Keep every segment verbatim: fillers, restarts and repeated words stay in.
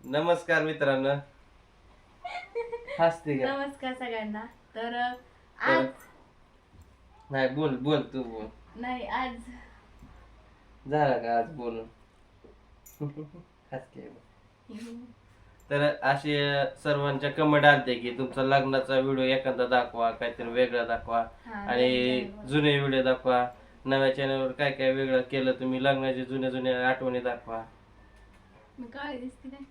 नमस्कार मित्रांनो. हसते का? नमस्कार सगळ्यांना. तर आज नाही बोल बोल तू बोल. नाही आज झालं का आज बोलून? हसते. तर असे सर्वांच्या कमेंट आलते की तुमचा लग्नाचा व्हिडिओ एखादा दाखवा, काहीतरी वेगळा दाखवा हा, आणि वेगळं. जुने व्हिडिओ दाखवा. नव्या चॅनलवर काय काय वेगळं केलं तुम्ही, लग्नाचे जुने जुने आठवणी दाखवा. मी काळी दिसते काय?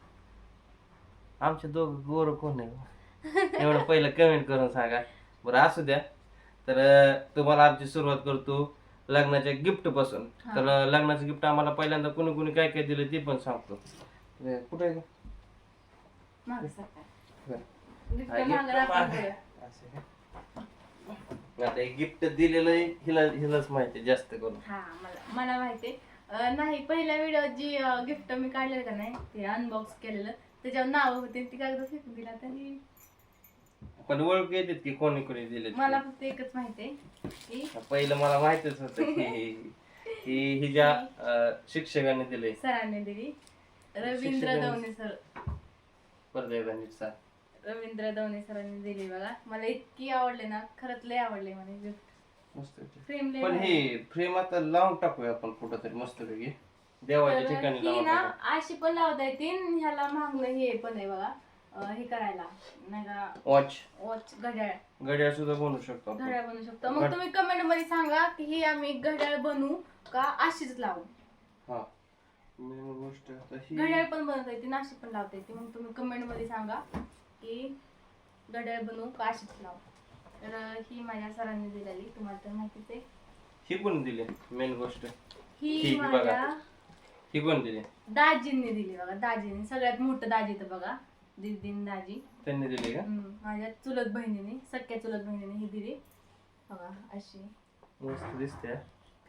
आमचे दोघं गोर कोण आहे एवढं पहिलं कमेंट करून सांगा बरं. असू द्या. तर अं, तुम्हाला आमची सुरुवात करतो लग्नाच्या गिफ्ट पासून. हा. तर अं, लग्नाचं गिफ्ट आम्हाला पहिल्यांदा कुणी कुणी काय काय दिलं ते पण सांगतो. तर, कुठे आहे? मागं सरका. बरं. गिफ्ट हा, मागं gift दाखवा माग- पुढं. असं का? आता गिफ्ट दिलेलं आहे, हिला हिलाच माहिती आहे जास्त करून. हा मला मला माहिती नाही. पहिल्या व्हिडिओ जी गिफ्ट मी काढलेलं का नाही ते अनबॉक्स केलेलं त्याच्यावर नाव होते ती कागद फेकून दिला तरी पण ओळख येतात की कोणी कोणी दिले ते. मला फक्त एकच माहिती आहे की पहिलं मला माहितच होतं की ही हिच्या अं, शिक्षकाने दिले. सरांनी दिली. रवींद्र शिक्षकांनी- दवणे सर परत एकदा नीट सांग. रवींद्र दवणे सरांनी दिली बघा. मला इतकी आवडले ना, खरंच लय आवडले मला गिफ्ट. मस्त आहे. फ्रेम लय पण भारी. हे फ्रेम आता लावून टाकूया आपण कुठं तरी मस्त पैकी देवाच्या तर ठिकाणी ही लावून ना टाकू. अशी पण लावता येते आणि ह्याला मागणं हे पण आहे बघा. अं, हे करायला नाही का वॉच वॉच घड्याळ घड्याळ सुद्धा बनवू शकतो आपण. घड्याळ बनवू शकतो. मग तुम्ही कमेंट मध्ये सांगा की ही आम्ही घड्याळ बनवू का अशीच लावू. हा मेन गोष्ट आता ही घड्याळ पण बनवता येते ना अशी पण लावता येते. मग तुम्ही कमेंट मध्ये सांगा की घड्याळ बनवू का अशीच लावू. तर अं, ही माझ्या सरांनी दिलेली तुम्हाला तर माहितीच आहे. ही कोण दिली मेन गोष्ट? ही ठीक आहे, माझ्या बघा. ही कोण दिली? दाजींनी दिली बघा. दाजींनी सगळ्यात मोठं दाजी तर बघा दीदीन दाजी. त्यांनी दिली का? हम्म, माझ्या चुलत बहिणीने सख्या चुलत बहिणीने ही दिली बघा अशी. मस्त दिसते हा.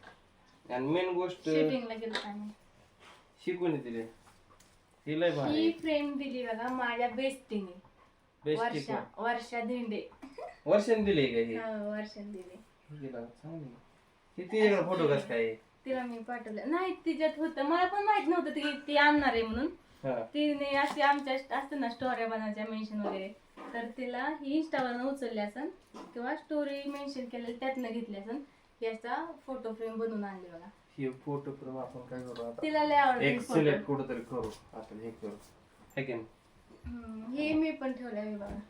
आणि मेन गोष्ट शूटिंगला गेलो आम्ही. ही कोणी दिली? ही लय भारी ही फ्रेम दिली बघा माझ्या बेस्टीने. बेस्ट वर्षा वर्षा धेंडे. वर्षाने दिली का ही? हो, वर्षाने दिली. ही दिला चांगली. ही तिच्याकडे फोटो कसं काय आहे? तिला मी पाठवलं नाही तिच्यात होतं. मला पण माहित नव्हतं ती ती आणणार आहे म्हणून. हा तिने अशी आमच्या असतं ना स्टोऱ्या बनवायच्या मेन्शन वगैरे तर तिला ही इंस्टावरनं उचलली असन किंवा स्टोरी मेन्शन केलेली त्यातनं घेतली असन. याचा फोटो फ्रेम बनवून आणली बघा. ही फोटो फ्रेम आपण काय करू आता? तिला लय आवडते एक फोटो. सिलेक्ट कुठंतरी करू आपण हे करू है की नाही? हम्म, हे मी पण ठेवलंय हे बघा.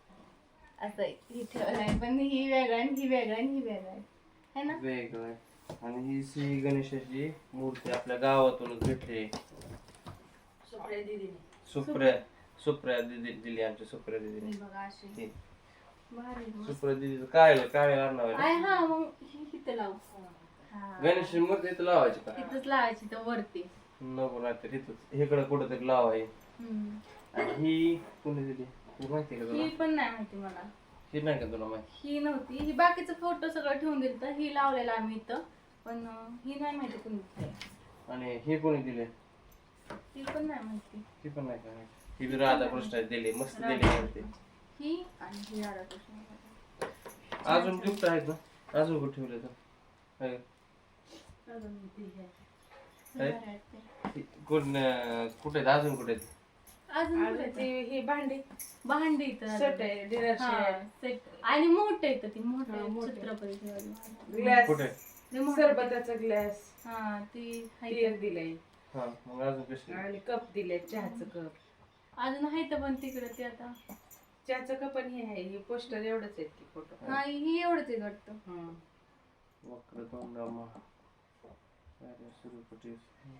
असं आहे. ही ठेवलंय पण ही वेगळं आणि ही वेगळं आणि ही वेगळं आहे है ना. वेगळं आहे. आणि ही श्री गणेशाची मूर्ती आपल्या गावातूनच भेटली. सुप्रिया सुप्रिया दिदी दिली आमच्या सुप्रिया दिदीने. ही बघा अशी ही. भारी आहे मस्त. सुप्रिया दिदी काय काय आणणार आहे? आहे हा मग ही इथं लावू. हा गणेशाची मूर्ती इथं लावायची का? इथंच लावायची तर वरती. नको नाहीतर इथं इकडं कुठंतरी लावाय. हम्म. आणि ही कोणी दिली ही माहिती आहे का तुला? ही पण नाही माहिती मला. ही नाही का तुला माहिती? ही नव्हती. ही बाकीचं फोटो सगळं ठेवून दिलं तर ही लावलेला आम्ही इथं पण अं, ही नाही माहिती कोणी दिली. आणि ही कोणी दिली? ती पण नाही माहिती. ही पण नाही का? ही बी राधाकृष्ण दिली मस्त दिली मूर्ती. ही आणि ही राधाकृष्ण. अजून गिफ्ट आहेत ना? अजून कुठे ठेवले तर आहे? ही कोण अं, कुठे आहेत? अजून कुठे आहेत? अजून आणि कुठे ती आहेत? ही भांडी भांडी इथं सेट आहे डिनर हा, सेट set. आणि मोठं येतं ती हा, मोठं मोठं. छत्रपती शिवाजी. ग्लास कुठे? लय मोठं येतं. सरबताचा ग्लास हा ती हाय टीयर दिलाय हा मग अजून कशी? आणि कप दिले चहाचं कप अजून आहे तर पण तिकडं ते आता. चहाचं कप पण हे आहे हे पोस्टर एवढंच आहेत की फोटो हा ही एवढंच आहे वाटतं. वक्रतुंड सुरूपटी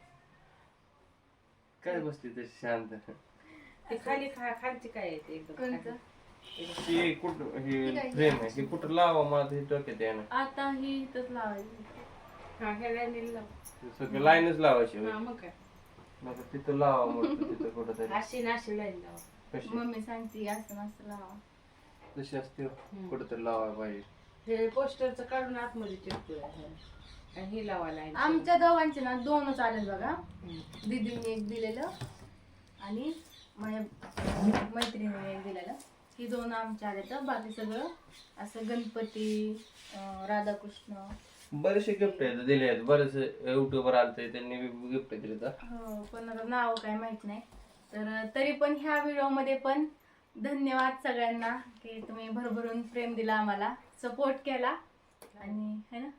काय बसली तशी शांत? ते खाली खा खालची काय आहे ते एकदम कोणतं? खाली. ही कुठं ही ही काय? फ्रेम आहे ही कुठं लावा मला हे डोक्यात आहे ना. आता ही इथंच लावायची. हा ह्या लाईनीला लाव. सगळं लाईनच लावायची हा होय. मग काय मग तिथं लावा मग तिथं कुठं तरी. अशी ना अशी लाईन लावा कशी मम्मी सांगते असं नसतं लावा. कशी असते कुठं तरी लावायला पाहिजे. हे पोस्टरचं काढून आतमध्ये चिटकूया आणि हे लावा लाईन आमच्या दोघांचे ना दोनच आलेत बघा. दीदीने एक दिलेलं आणि माझ्या मैत्रिणीने एक दिलेलं. ही दोन आमच्या आले तर बाकी सगळं असं गणपती अं, राधाकृष्ण. बरेचसे गिफ्ट आहेत दिले आहेत. बरेचसे युट्यूबर आलते त्यांनी गिफ्ट दिले तर हो पण आता नाव काय माहित नाही. तर तरी पण ह्या व्हिडिओमध्ये पण धन्यवाद सगळ्यांना की तुम्ही भरभरून प्रेम दिला आम्हाला, सपोर्ट केला आणि है ना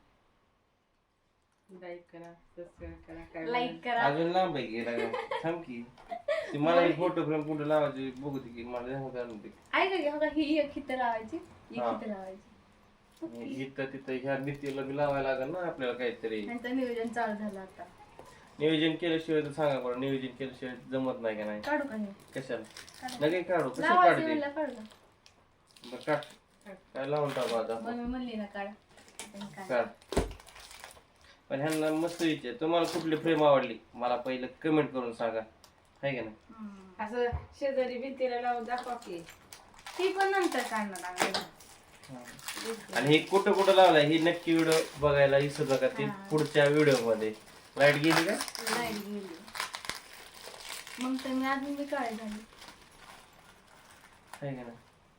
लाईक करा, सबस्क्राईब करा, काय लाईक करा. अजून लांब आहे गेला थांब की ती मला फोटो फ्रेम कुठे लावायची बघू दे की मला ध्यान घालून दे. ऐका की बघा, ही एक हिथं लावायची, एक हा. हिथं लावायची. इथं तिथं ह्या नीतीला बी लावायला लागेल ना आपल्याला काहीतरी. त्यांचं नियोजन चालू झालं आता. नियोजन केल्याशिवाय तर सांगा बरं, नियोजन केल्याशिवाय जमत नाही का नाही. काढू का हे? कशाला नगे काढू कसं लावायचं काढते म्हणलं काढू का? बरं काढ काय लावून टाकू आता मग मी म्हणली ना काढ. आपण काढ. काढ. पण ह्यांना मस्त विचार तुम्हाला कुठली फ्रेम आवडली मला पहिलं कमेंट करून सांगा आहे का नाही. हम्म. असं शेजारी भिंतीला लावून दाखवा की. ती पण नंतर काढणार आम्ही. आणि हे कुठं कुठं लावलंय ही नक्की व्हिडिओ बघायला विसरू नका ती हा. पुढच्या व्हिडिओ मध्ये. लाईट गेली का लाईट गेली मग तर मी अजून मी काय झाली आहे का नाही.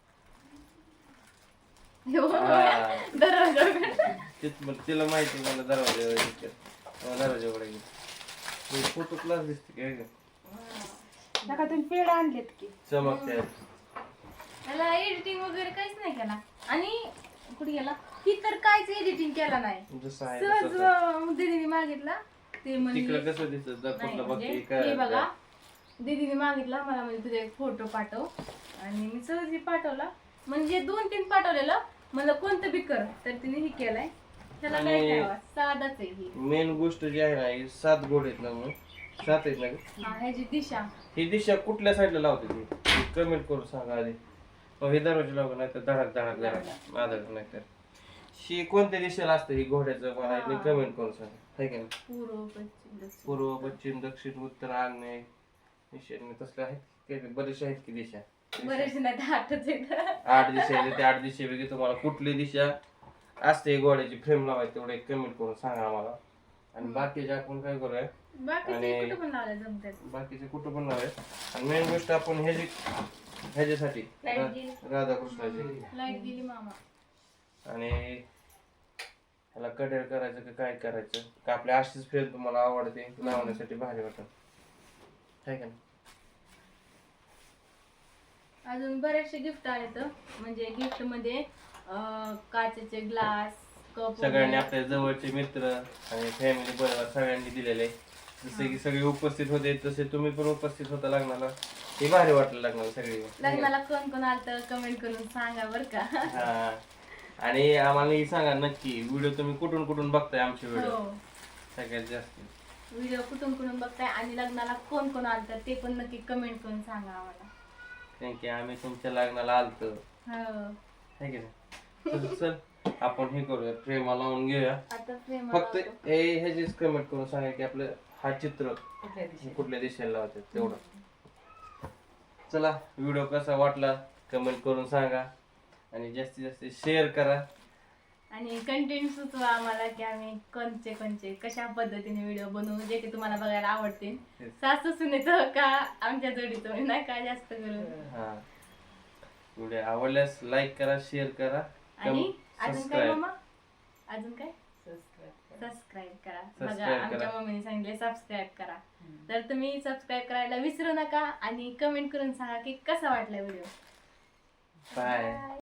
हो. हा. दरवाजा उघड. तेच मग तिला माहिती आहे मला दरवाजा दरवाजा उघडा गेली फोटो क्लास दिसते काय का नका तुम्ही पेड आणलेत की. चमकते. त्याला एडिटिंग वगैरे काहीच नाही केला आणि कुठे गेला ही तर काहीच एडिटिंग केला नाही. जसं आहे सहज तसं. अं, दीदीने मागितला ते म्हणजे तिकडं कसं दिसत नाही, कुठलं म्हणजे बघते हे बघा काय दीदीने मागितला मला म्हणजे तुझा एक फोटो पाठव आणि मी सहज हे पाठवला म्हणजे दोन तीन पाठवलेलं मला कोणतं बी कर तर तिने हे केलाय त्याला काय आणि- करावं साधाच आहे ही. मेन गोष्ट जी आहे ना ही सात गोड आहेत ना मग सात आहेत ना ग? हा ह्याची दिशा ही दिशा कुठल्या साईडला लावते ती कमेंट करून सांगा आधी. मग हे दरवाजा लावू नाही तर धडक धडक धडक आदर नाही तर शी कोणत्या दिशेला असतं ही घोड्याचं मला हा. कमेंट करून सांगा आहे का नाही. पूर्व पश्चिम दक्षिण. पूर्व पश्चिम दक्षिण उत्तर आग्नेय ईशान्य तसले आहेत काही बरेचसे आहेत की दिशा. बरेच नाही तर आठच आहेत. आठ दिशा आहेत त्या आठ दिशेपैकी तुम्हाला कुठली दिशा असते घोड्याची फ्रेम लावायची तेवढे कमेंट करून सांगा आम्हाला. आणि बाकीचे आपण काय करूया बाकीचे आणि- कुठं पण लावले जमतात. बाकीचे कुठं पण लावूया. आणि मेन गोष्ट आपण ह्याची ह्याच्यासाठी Light रा- गेली. राधाकृष्णाची लाईट गेली मामा. आणि ह्याला कडेल करायचं का काय करायचं का आपल्या अशीच फ्रेम तुम्हाला आवडते लावण्यासाठी भारी वाटत आहे का नाही. अजून बरेचसे गिफ्ट आले तर म्हणजे गिफ्ट मध्ये अं, काचेचे ग्लास कप सगळ्यांनी आपल्या जवळचे मित्र आणि फॅमिली बरोबर सगळ्यांनी दिलेले जसे की सगळे उपस्थित होते तसे तुम्ही पण उपस्थित होता लग्नाला हे भारी वाटलं लग्नाला सगळे. लग्नाला कोण कोण आलं तर कमेंट करून सांगा बर का. हा आणि आम्हाला हे सांगा नक्की व्हिडिओ तुम्ही कुठून कुठून बघताय आमचे व्हिडिओ हो सगळ्यात जास्त व्हिडिओ कुठून कुठून बघताय आणि लग्नाला कोण कोण आलं तर ते पण नक्की कमेंट करून सांगा आम्हाला. थँक्यू आम्ही तुमच्या लग्नाला आलतो हो है की नाही. चल चल आपण हे करूया प्रेमा लावून घेऊया आता प्रेम फक्त हे ह्याचीच कमेंट करून सांगा की आपलं हा चित्र कुठल्या दिवशी कुठल्या दिशेला लावतात तेवढं. चला व्हिडिओ कसा वाटला कमेंट करून सांगा आणि जास्तीत जास्त शेअर करा. आणि कंटेंट सुचवा आम्हाला की आम्ही कोणचे कोणचे कशा पद्धतीने व्हिडिओ बनवू जे की तुम्हाला बघायला आवडतील. Yes. सासू सुनेचं का आमच्या जोडीचं नाही का जास्त करून. हा व्हिडिओ आवडल्यास लाईक करा शेअर करा आणि अजून काय सबस्क्राईब मामा अजून काय सबस्क्राईब करा. सबस्क्राईब करा. बघा Subscribe आमच्या करा. मम्मीने सांगितले सबस्क्राईब करा हम्म. तर तुम्ही सबस्क्राईब करायला विसरू नका आणि कमेंट करून सांगा की कसा वाटला व्हिडिओ. बाय.